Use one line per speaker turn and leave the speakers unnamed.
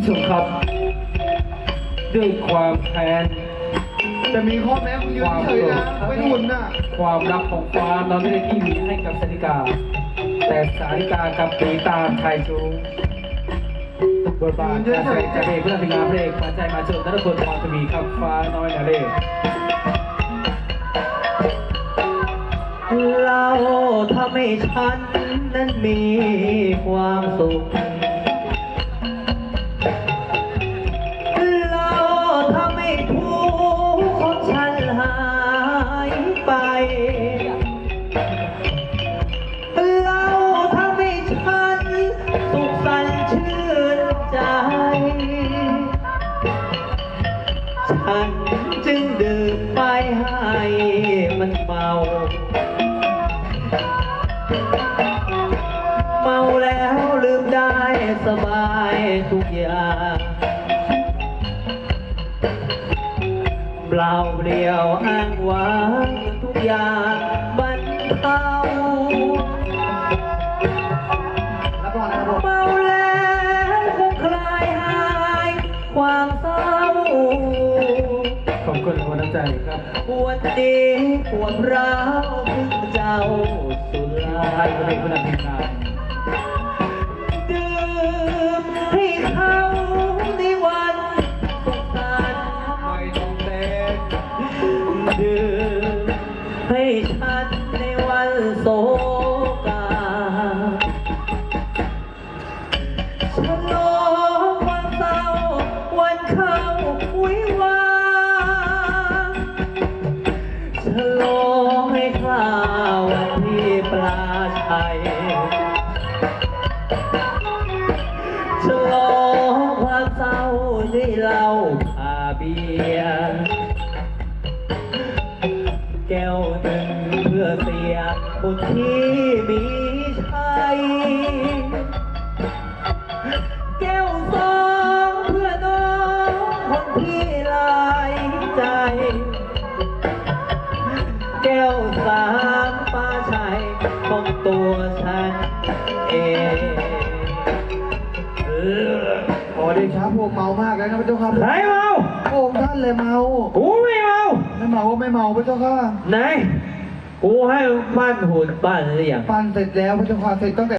ผู้ชมครับด้วยความแค้น
แต่มีข้อแม้มึงยืนเฉยนะไม่หุ่นน่ะ
ความรักของฟ้าเราไม่ได้ที่มีให้กับสาริกา แต่สาริกากับตีตามชายชู้บทบาทการแสดงจากเอกเพื่อนพิงาเพลงมาใจมาเชิญนัทพลพรทวีครับฟ้าน้อยนาเล่
เราทำให้ฉันนั้นมีความสุขเราทำให้ทุกข์ของฉันหายไปเราทำให้ฉันสุขสันต์ชื่นใจฉันจึงดื่มไปให้มันเมาแล้วลืมได้สบายทุกอย่างเปล่าเปลี่ยวอ้างว้างทุกอย่างบรรเทาเมาแล้วคงคลายหายความเศร้า
ขอบคุณคนน้ำใจครับ
ปวดดีปวดร้าวถึงเจ้าสุรา
ไทยเพลงเพื่อนพิงา
ดื่มให้เขาในวันสงสาร
ไม่ต้องเต้น
ดื่มให้ฉันในวันโศกาฉลองวันเศร้าวันเข้าวิวาฉลองให้ข้าวันที่ปลาชัยฉลองความเศร้าที่เราพาเบียร์แก้วหนึ่งเพื่อเสียคนที่มีชัยแก้วสองเพื่อน้องคนที่ลายใจแก้วสามป้าชัยของตัวฉันเอง
ขอเดชะพวกเมามากแล้วนะพระเจ้าค่ะ
ใครเมา
พระองค์ท่านเลยเมา
กูไม่เมา
ไม่เมาก็ไม่เมาพระเจ้าค่ะ
ไหน กูให้ปั้นหุ่นปั้นหรือยัง
ปั้นเสร็จแล้วพระเจ้าค่ะเสร็จตั้งแต่